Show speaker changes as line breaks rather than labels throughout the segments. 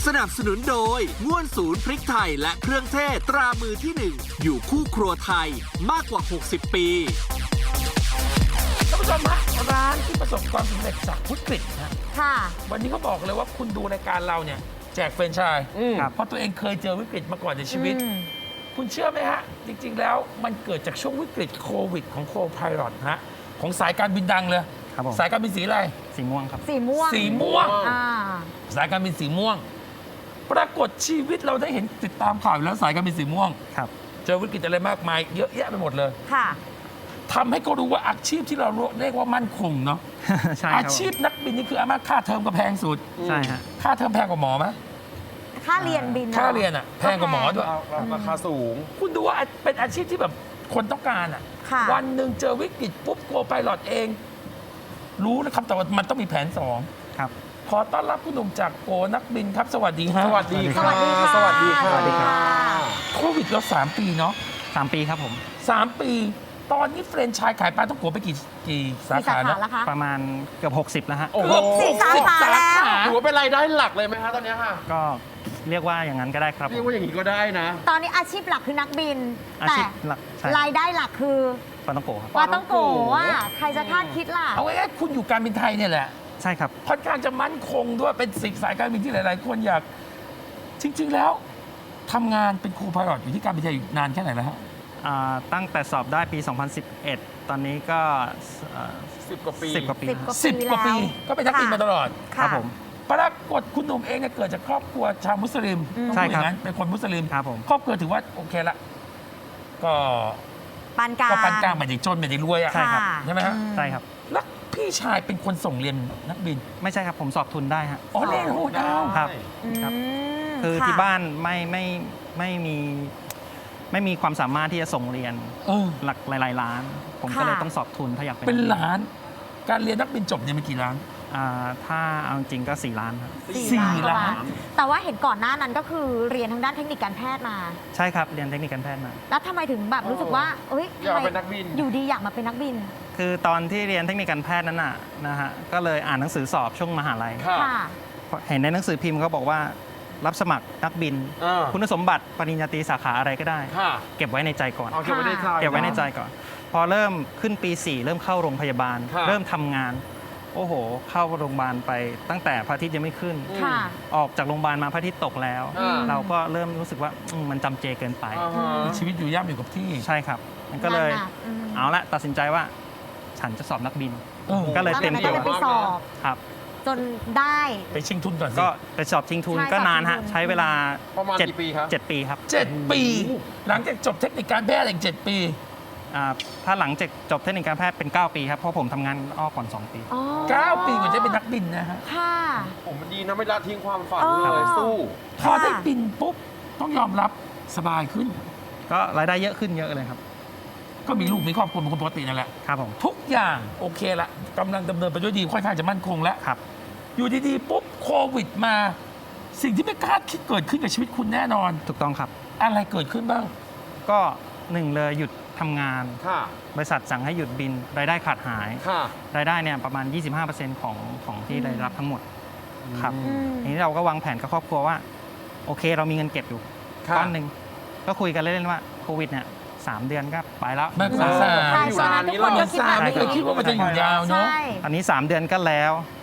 นับสนุนโดยง่วนศูนย์พริกไทยและเครื่องเทศตรามือที่ 1 อยู่คู่ครัวไทยมากกว่า 60 ปี
ท่านผู้ชมฮะร้านที่ประสบความสำเร็จจากวิกฤตนะ
ค่ะ
วันนี้เขาบอกเลยว่าคุณดูรายการเราเนี่ยแจกแฟรนไชส์เพราะตัวเองเคยเจอวิกฤตมาก่อนในชีวิต คุณเชื่อไหมฮะ จริง ๆ แล้วมันเกิดจากช่วงวิกฤตโควิดของโคไพลอตฮะของสายการบินดังเลย
ครับผม
สายการบินสีอะไร
สีม่วงครับ
สีม่วง
สีม่วง
อ่า
สายการบินสีม่วง ปรากฏชีวิตเราได้เห็นติดตามข่าวอยู่แล้วสายการบินสีม่วง
ครับ
เจอวิกฤตอะไรมากมายเยอะแยะไปหมดเลย
ค่ะ
ทำให้เขารู้ว่าอาชีพที่เราเรียกว่ามั่นคงเนาะ
ใช่ค
อา
รับ
ชีพนักบินนี่คืออามาค่าเทอมก็แพงสุด
ใช่ฮะ
ค่าเทอมแพงกว่าหมอไหม
ค่าเรียนบิน
ค่าเรียนอ่ะแพงกว่าหมอด้วย
ราคาสูง
คุณดูว่าเป็นอาชีพที่แบบคนต้องการอ่ะ
ค่ะ
วันหนึ่งเจอวิกฤตปุ๊บโกไพลอตเอง รู้นะครับแต่ว่ามันต้องมีแผนสอง
ครับ
ขอต้อนรับคุณหนุ่มจากโกนักบินครับ สวัสดีฮะ
สวัสดี
สวัสดีค่ะ
สวัสดีค่ะ
สวัสดีค่ะ
โควิดเรา3 ปีเนาะ
3 ปีครับผม
3 ปี ตอนนี้เฟรนไชส์ขายปลาต้องโกไปกี่สา
มีสา
ขา
ขา
แล้ว
แล้วคะ
ประมาณเกือบ60 แล้วฮะ
โอ้โห
สี่สาขาแล้ว
ถือว่าเป็นรายได้หลักเลยไหมคะตอนเนี้ยค่ะ
ก็เรียกว่าอย่างนั้นก็ได้ครับ
เรียกว่าอย่างนี้ก็ได้นะ
ตอนนี้อาชีพหลักคือนักบิน
อา
แต่
ชีพหลักใช่
รายได้หลักคือ
ปาต้องโกะครับ
ปาต้องโกะใครจะคาดคิดล่ะ
เอาง่ายๆคุณอยู่การบินไทยเนี่ยแหละ
ใช่ครับ
ค่อนข้างจะมั่นคงด้วยเป็นสิ่งสายการบินที่หลาย ๆ คนอยากจริง ๆ แล้วทำงานเป็นครูพายロอยู่ที่การบินไทยอยู่นานแค่ไหนแล้วฮะ
ตั้งแต่สอบได้ปี 2011 ตอนนี้ก็
10 กว่าปี
10 กว่าปี
10 กว่า
10 กว่าปีก็เป็นนักบินมาตลอด
ครับผม
ปรากฏคุณหนุ่มเองเนี่ยเกิดจากครอบครัวชาวมุสลิมต้อง
ใช่
พูดอ
ครับ
ย่างนั้นเป็นคนมุสลิม
ครับผม
ครอบครัวถือว่าโอเคละก็
ปานกลาง
ก็ปานกลางไม่ได้จนไม่ได้รวยอะ
ใช่ครับ
ใช่ไหมฮะ
ใช่ครับ
แล้วพี่ชายเป็นคนส่งเรียนนักบิน
ไม่ใช่ครับผมสอบทุนได้ฮะ
อ๋อเรียนโหดาว
ครับ ครับ คือที่บ้านไม่มีความสามารถที่จะส่งเรียน
เออ
หลักหลายๆล้าน ผมก็เลยต้องสอบทุนถ้าอยากเป็น
เป็นล้าน การเรียนนักบินจบเนี่ยมีกี่ล้าน
ถ้าเอาจริงก็4 ล้านครับ
4 ล้าน
แต่ว่าเห็นก่อนหน้านั้นก็คือเรียนทางด้านเทคนิคการแพทย์มา
ใช่ครับ เรียนเทคนิคการแพทย์มา
แล้วทำไมถึงแบบรู้สึกว่าเอ้ย
อยาก
ทำไม
เป็นนักบิน
อยู่ดีอยากมาเป็นนักบิน
คือตอนที่เรียนเทคนิคการแพทย์นั้นนะฮะก็เลยอ่านหนังสือสอบช่วงมหาลัย
ค่ะ
ค่ะ
เห็นในหนังสือพิมพ์เขาบอกว่ารับสมัครนักบิน คุณสมบัติปริญญาตรีสาขาอะไรก็ได้
ค่ะ
เก็บไว้ในใจก่อน
เอาเก็บไว้ในใจ
เก็บไว้ในใจก่อน พอเริ่มขึ้นปี 4 เริ่มเข้าโรงพยาบาล
ค่ะ
เริ่มทำงาน โอ้โห เข้าโรงพยาบาลไปตั้งแต่พระอาทิตย์ยังไม่ขึ้น
ค่ะ
ออกจากโรงพยาบาลมาพระอาทิตย์ตกแล้ว เราก็เริ่มรู้สึกว่ามันจำเจเกินไป
อ่าฮะ
ชีวิตอยู่ย่ำอยู่กับที่
ใช่ครับ มันก็เลย
งานหนักอืม
เอาละตัดสินใจว่าฉันจะสอบนักบิน
เออ
ก็เลยเต็ม
ก็
ตัว
เลยไปสอบ
ครับ
จนได้
ไปชิงทุนก่อนสิ
ก็ไปสอบชิงทุน
ใช่
ก็นาน
สอบชิ
ฮะ
งทุน
ใช้เวลา
ประมาณกี่ปีครับ
7 ปีครับ
7 ปี หลังจากจบเทคนิคการแพทย์อีก7 ปี
ถ้าหลังจากจบเทคนิคการแพทย์เป็น 9 ปีครับ เพราะผมทำงานอ้อก่อน 2 ปี
อ๋อ
9 ปีกว่าจะเป็นนักบินนะฮะ
ค่ะ
ผมมันดีนะไม่ละทิ้งความฝัน
เออ
เลยสู้
พอได้บินปุ๊บ ต้องยอมรับสบายขึ้น
ก็รายได้เยอะขึ้นเยอะเลยครับ
ก็มีลูกมีครอบครัวเป็นคนปกตินั่นแหละ
ครับผม
ทุกอย่างโอเคละกำลังดำเนินไปด้วยดีค่อนข้างจะมั่นคงแล้ว
ครับ
อยู่ดีๆ ปุ๊บโควิดมา สิ่งที่ไม่คาดคิดเกิดขึ้นกับชีวิตคุณแน่นอน
ถูกต้องครับ
อะไรเกิดขึ้นบ้าง
ก็หนึ่งเลยหยุดทำงาน
ค่ะ
บริษัทสั่งให้หยุดบิน รายได้ขาดหาย
ค่ะ
รายได้เนี่ยประมาณ 25%ของที่ได้รับทั้งหมดครับ
อืม
ทีนี้เราก็วางแผนกับครอบครัวว่า โอเคเรามีเงินเก็บอยู่
ค่ะ
ก้อนหนึ่งก็คุยกันเล่นๆว่าโควิดเนี่ย3 เดือนก็ไปแล้ว
ไม่สงสาร
ใช่
อยู่
ตอน
นา
นั้น น
นี้
ทุกคน
เรา
ก็คิดแบบ
ไม่เคยคิดว่ามันจะอยู่ยาวเนอะ
ใช่
อันนี้ 3 เดือนก็แล้ว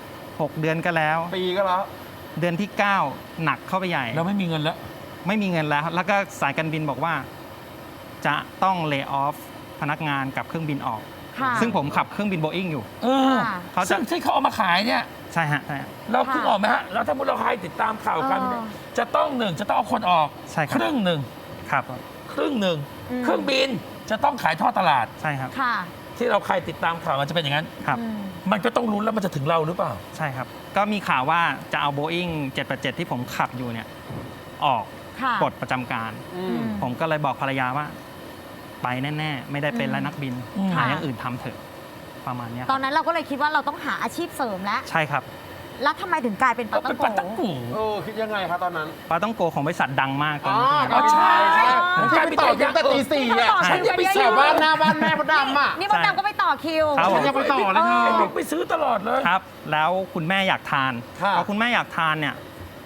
6 เดือนก็แล้ว
ปีก็แล้ว
เดือนที่ 9 หนักเข้าไปใหญ่
เราไม่มีเงินแล้ว
ไม่มีเงินแล้ว แล้วก็สายการบินบอกว่า จะต้องเลิกออฟพนักงานกับเครื่องบินออก
ค่ะ
ซึ่งผมขับเครื่องบินโบอิงอยู่
เออ
ค่ะ
เขาจะ
ซึ่งที่เขาเอามาขายเนี่ย
ใช่ฮะใช่ฮะ
เราเพิ่งออกไหมฮะแล้วถ้ามุติเราใครติดตามข่าวกัน
เออ
จะต้องจะต้องเอาคนออก
ใช่ครับ
ครึ่งหนึ่ง
ครับ
ครึ่งหนึ่ง
อืม
เครื่องบินจะต้องขายทอดตลาด
ใช่ครับ
ค่ะ
ที่เราใครติดตามข่าวมันจะเป็นอย่างนั้น
ครับ
อืม
มันก็ต้องลุ้นแล้วมันจะถึงเราหรือเปล่า
ใช่ครับ ก็มีข่าวว่าจะเอาโบอิง787 ที่ผมขับอยู่เนี่ยออก
ค่ะ
ปลดประจำการ
อื
อื
ม
ม
ผมก็เลยบอกภรรยาว่า ไปแน่ๆ ไม่ได้เป็นแล้วนักบิน
อืม
หาอย่างอื่นทำเถอะประมาณเนี้ย
ตอนนั้นเราก็เลยคิดว่าเราต้องหาอาชีพเสริมแล้ว
ใช่ครับ
แล้วทำไมถึงกลายเป็นปา
ก็
ต้อ
เป็
ง
นปาตัง
โก
กู
คิดยังไงคะตอนนั้น
ปาต้องโกของบริษัทดังมากตอน
อ๋อ
นั้น
ก็ใช่ใช่
อ๋อ
ผมไปต่อคิวแต่ตีสี่อ่ะ
ต่อคิว
ฉันยังไป
เย
ซื้
อะ
อ
ๆ
บ้านหน้าบ้านแม่มดดำอ่ะ
นี่มดดำก็ไปต่อคิว
ครับผม
ฉันยังไปต่อเลยเธอ
ไอ้บิ๊กไปซื้อตลอดเลย
ครับ แล้วคุณแม่อยากทาน
ค่ะ
พอคุณแม่อยากทานเนี่ย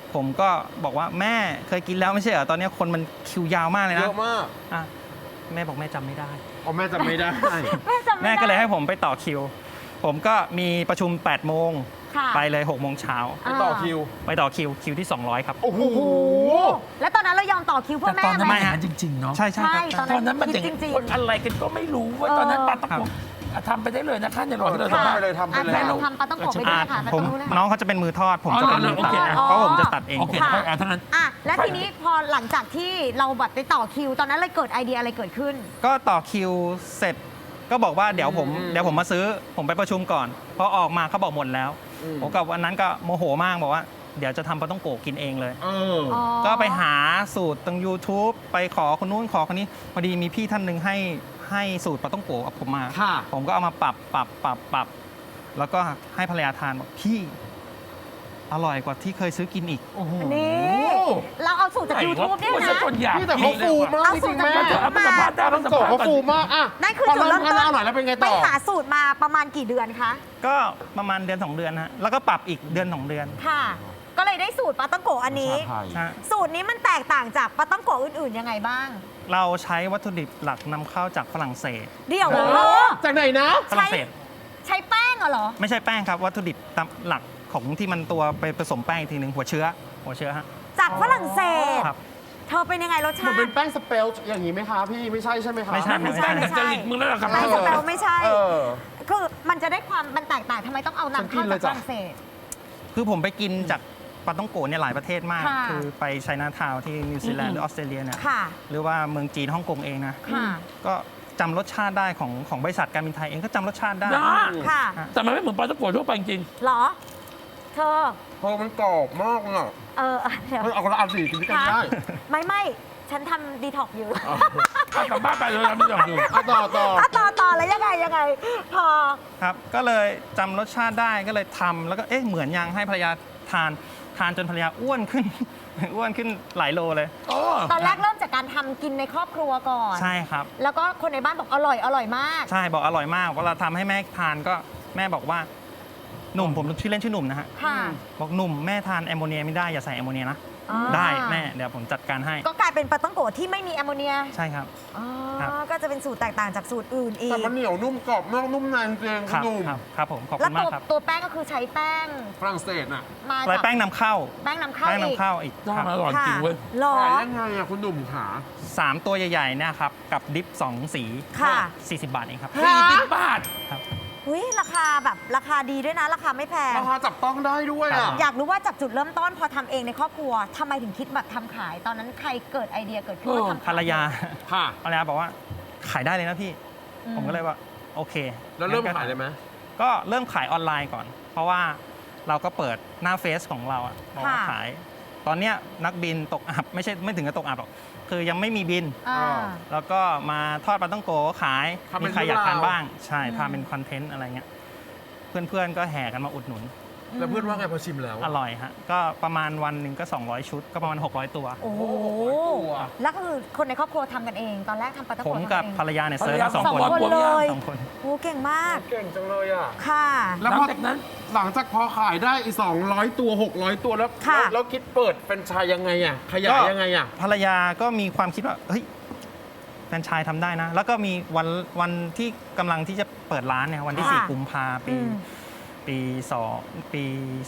ผมก็บอกว่าแม่เคยกินแล้วไม่ใช่เหรอตอนนี้คนมันคิวยาวมากเลย
เย
นะ
อะมาก
อ่ะแม่บอกแม่จำไม่ได้
อ๋อแม่จำไม่ได้
แม่ก็เลยให้ผมไปต่อคิว ผมก็มีประชุม 8 โมง
ค่ะ
ไปเลย 6 โมงเช้า
ไปต่อคิว
ไปต่อคิวที่ 200 ครับ
โอ้โห
โอ้โหแล้วตอนนั้นเรายอมต่อคิวเพื่
แต่
อ
ตอนนั้น
แม่ไหม
ไม่หาจริง ๆ เนาะ
ใช่ใช่ครับ
ใช่
ตอนนั้นมันอย่าง
จริงๆ
คนอะไรกันก็ไม่รู้ว่าตอนนั้นปาตะโกทำไปได้เลยนะคะในหลอดที่เรา
ทำ
ทำ
ไปเลยทำไปเลย
อ่ะทำปลาต้องโกะไปด้วยค่ะ
ผม
ไปตรงนู้นเลยค่ะ
น้องเขาจะเป็นมือทอด ผมจะเป็นมือ
โอ
ตัด
เค
เพราะผมจะตัดเอง
โอเค
ค่ะ
ทั้งนั้น
อ่ะและทีนี้พอหลังจากที่เราแบบไปต่อคิว ตอนนั้นเลยเกิดไอเดียอะไรเกิดขึ้น
ก็ต่อคิวเสร็จก็บอกว่าเดี๋ยวผมมาซื้อผมไปประชุมก่อนพอออกมาเขาบอกหมดแล้ว ผมกับวันนั้นก็โมโหมากบอกว่าเดี๋ยวจะทำปลาต้องโกะกินเองเลย ก็ไปหาสูตรตรง YouTube ไปขอคนนู้นขอคนนี้พอดีมีพี่ท่านหนึ่งให้สูตรปลาต้องโกะกับผมมา
ค่ะ
ผมก็เอามาปรับแล้วก็ให้ภรรยาทานบอกพี่อร่อยกว่าที่เคยซื้อกินอีก
โอ้โห
นี่ เราเอาสูตรจาก YouTube เนี่ย
พูด
นะ
ซะจนอยาก
พี่แต่เขาฟูมาก
เอา
จ
สู
ริ
ต
ง
ร
ๆ
จาก
แม่
YouTube
เอาไปสัมภาษณ์ได้
ต้องโกะเขาฟูมากอ่ะ
นั่นคือจุดเริ่มต้น
อร่อยแล้วเป็นไง
ไป
ต่อ
หาสูตรมาประมาณกี่เดือนคะ
ก็ประมาณเดือน 2 เดือนฮะแล้วก็ปรับอีกเดือน 2 เดือน
ค่ะ ก็เลยได้สูตรปลาต้องโกะอันนี้
ฮะ
สูตรนี้มันแตกต่างจากปลาต้องโกะอื่นๆยังไงบ้าง
เราใช้วัตถุดิบหลักนำเข้าจากฝรั่งเศส
เดี๋ยว
จากไหนนะ
ฝรั่งเศส
ใช้แป้งเหรอ
ไม่ใช่แป้งครับ วัตถุดิบตามหลักของที่มันตัวไปผสมแป้งอีกทีหนึ่งหัวเชื้อฮะ
จากฝรั่งเศส
ครับ
เธอเป็นยังไงรส
มั
ชาน
เป็
ติ
นแป้งสเปลอย่างนี้ไหมคะพี่ไม่ใช่ใช่ไหมคะ
ไม่ใช่
ไม่ใช่แต่จริตมึงแล้วล่ะครับ
แป้งสเปลไม่ใช่
เออ
คือมันจะได้ความมันแตกต่างทำไมต้องเอานำเข้าจากฝรั่งเศส
คือผมไปกินจากปาต้องโกะเนี่ยหลายประเทศมาก
ค่ะ
คือไปไชน่าทาวน์ที่นิวซีแลนด์หรือออสเตรเลียเนี่ย
ค่ะ
หรือว่าเมืองจีนฮ่องกงเองนะ
ค่ะ
ก็จำรสชาติได้ของบริษัทการบินไทยเองก็จำรสชาติได้
นะ
ค่ะ
แต่มันไม่เหมือนปลาตะโกทั่วไปจริง
เหรอ เธอ
เพราะมันกรอบมากอ่ะ
เดี๋ยว
มันเอาคนละอันสิกินด้วยกันได้
ไม่ฉันทำดีท็อกอยู่
ถ้ากลับบ้านไปเลยเราไม่ยอมดู
อ่ะต่อ
ต่อแล้วยังไง พอ
ครับ ก็เลยจำรสชาติได้ก็เลยทำแล้วก็เอ๊ะเหมือนยังให้ภรรยาทานจนภรรยาอ้วนขึ้น อ้วนขึ้นหลายโลเลย
ตอนแรกเริ่มจากการทำกินในครอบครัวก่อน
ใช่ครับ
แล้วก็คนในบ้านบอกอร่อยมาก
ใช่บอกอร่อยมากเวลาทำให้แม่ทานก็แม่บอกว่าหนุ่มผมชื่อเล่นชื่อหนุ่มนะฮะ
ค่ะ
บอกหนุ่มแม่ทานแอมโมเนียไม่ได้อย่าใส่แอมโมเนียนะ
อ่า
ได้แม่เดี๋ยวผมจัดการให้
ก็กลายเป็นปลาต้องโกะที่ไม่มีแอมโมเนีย
ใช่ครับ
อ๋อ
ครับ
ก็จะเป็นสูตรแตกต่างจากสูตรอื่นอี
แต่
ก
มันเหนียวนุ่มกรอบนอกนุ่มในจริง
ครับ
ๆนุ่ม
ครับผมขอบ
แล้
คุ
ว
ณมากครับ
ตัวแป้งก็คือใช้แป้ง
ฝรั่งเศสน่ะ
มา
ลาย
จาก
แป้งนำเข้า
แป้งนำเข้า
แป้ง
อีก
นำเข้าอีก
ต้อง
ครับ
อร่อยจริงเว้ย
หรอ
ขายยังไงอ่ะคุณหนุ่มขา
3 ตัวใหญ่ๆเนี่ยครับกับดิฟ2 สี
ค่ะ
40 บาทเองครับ
40 บาท
อุ้ยราคาแบบราคาดีด้วยนะ ราคาไม่แพง
ราคาจับต้องได้ด้วย
ครั
อ่ะ
บ
อยากรู้ว่าจากจุดเริ่มต้นพอทำเองในครอบครัวทำไมถึงคิดแบบทำขาย ตอนนั้นใครเกิดไอเดียเกิดขึ้นว่าทำข
ภรรยา
ค่ะ
ภรรยาบอกว่าขายได้เลยนะพี่ ผมก็เลยว่าโอเค
แล้วเริ่ม
งั้นก็
ขายเลยไหม
ก็เริ่มขายออนไลน์ก่อน เพราะว่าเราก็เปิดหน้าเฟซของเราอะบอกว่าขาย ตอนเนี้ยนักบินตกอับไม่ถึงกับตกอับหรอกคือยังไม่มีบิน
อ่า
แล้วก็มาทอดปลาต้องโกขาย
ทำเป็น
มีใครอยากทาน
เรื่องราว
บ้าง ใช่
อืม
ทำเป็นคอนเทนต์อะไรเงี้ยเพื่อนๆก็แห่กันมาอุดหนุน
แล้วเพื่อนว่าไงพอชิมแล้ว
อร่อยฮะก็ประมาณวันหนึ่งก็ 200 ชุด ก็ประมาณ 600 ตัว
โอ้โห
ตัว
แล้วก็คือคนในครอบครัวทำกันเอง ตอนแรกทำปลาตะ
ผ
โก
ม
ทำ
กับ
เอง
ภรรยาเนี่ย
ภร
เซิ
ร
ร์ฟ
ยา
มาสอง
สอง
คน
คนเลย
สองคน
โอ้เก่งมาก
เก่งจังเลยอ่ะ
ค่ะ
แล้ว
หลั
พ
ง
อ
จากนั้น
หลังจากพอขายได้อีก200 ตัว 600 ตัวแล้ว
ค่ะ
แล้วคิดเปิดเป็นไชายยังไงอ่ะ ขยายยังไงอ่ะ
ภรรยาก็มีความคิดว่าเฮ้ยแฟรนไชส์ทำได้นะ แล้วก็มีวันที่กำลังที่จะเปิดร้านเนี่ยวันที่
ค่ะ
4 กุมภาปี
อืม
ปี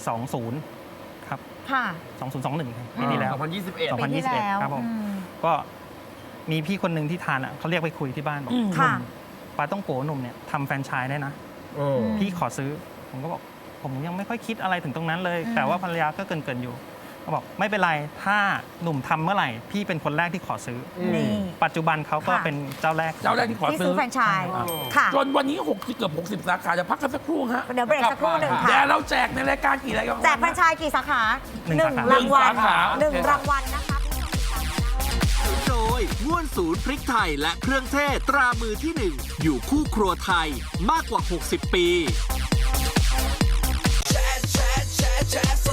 20ครับ
ค่ะ
2021ปีที่แล้ว
2021
ปีที่แล้ว
ครับผม
อืม
ก็มีพี่คนหนึ่งที่ทานอ่ะเขาเรียกไปคุยที่บ้านบอก
อืม
หนุ่
ค่ะ
มปลาต้องโกหนุ่มเนี่ยทำแฟรนไชส์ได้นะ
เออ
พี่ขอซื้อ ผมก็บอกผมยังไม่ค่อยคิดอะไรถึงตรงนั้นเลย
อืม
แต่ว่าภรรยาก็เกินอยู่เขาบอกไม่เป็นไรถ้าหนุ่มทำเมื่อไหร่พี่เป็นคนแรกที่ขอซื้อ
นี่
ปัจจุบันเขาก็
ค่ะ
เป็นเจ้าแรก
เจ้าแรกที่ขอ
ที่
ซื้
ซื้
อ
อแฟรนไชส์
อ๋อ
ค่ะ
จนวันนี้เกือบ60 สาขาจะพักกันสักครู่ฮะ
เดี๋ยวเบรกสักครู่หนึ่ง
แต่
ค่ะ
เราแจกในรายการกี่รายการ
แจกแฟรนไชส์กี่สาขา
หนึ่งสาขา
รางวัล
หนึ่งสาขา
หนึ่ง
โอเค
รางวัลนะคะ
โดยง่วนศูนย์พริกไทยและเครื่องเทศตรามือที่ 1 อยู่คู่ครัวไทยมากกว่า 60 ปี
แชร์